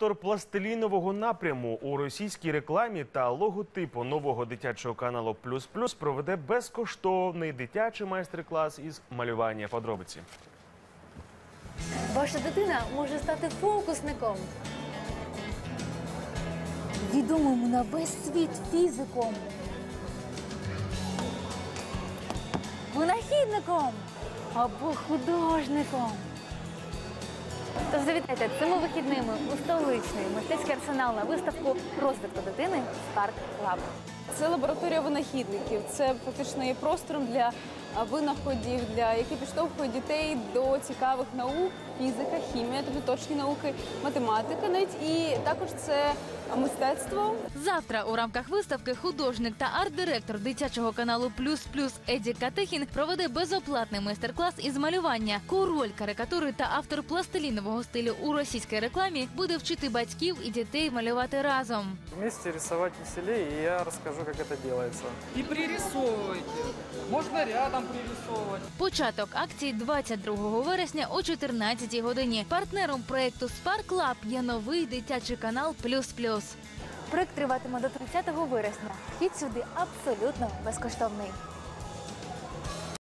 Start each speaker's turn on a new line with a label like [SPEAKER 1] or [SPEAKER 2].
[SPEAKER 1] Автор пластилінового напряму у російській рекламі та логотипу нового дитячого каналу «Плюс Плюс» проведе безкоштовний дитячий майстер-клас із малювання. Подробиці.
[SPEAKER 2] Ваша дитина може стати фокусником, відомим на весь світ фізиком, винахідником або художником. Тож завітайте цими вихідними у столичний мистецький арсенал на виставку розвитку дитини «Spark Lab».
[SPEAKER 3] Це лабораторія винахідників. Це фактично є простором для винаходів, які підштовхують дітей до цікавих наук, фізика, хімія, тобто точні науки, математика навіть. І також це мистецтво.
[SPEAKER 4] Завтра у рамках виставки художник та арт-директор дитячого каналу «Плюс Плюс» Еді Катехін проведе безоплатний майстер-клас із малювання. Король карикатури та автор пластилінового стилю у російській рекламі буде вчити батьків і дітей малювати разом.
[SPEAKER 5] Вместе рисовать веселее, и я расскажу, как это делается.
[SPEAKER 6] И пририсовывайте. Можно рядом пририсовывать.
[SPEAKER 4] Початок акції 22 вересня о 14 годині. Партнером проєкту «Spark Lab» є новий дитячий канал «Плюс Плюс».
[SPEAKER 2] Проєкт триватиме до 30 вересня. Вхід сюди абсолютно безкоштовний.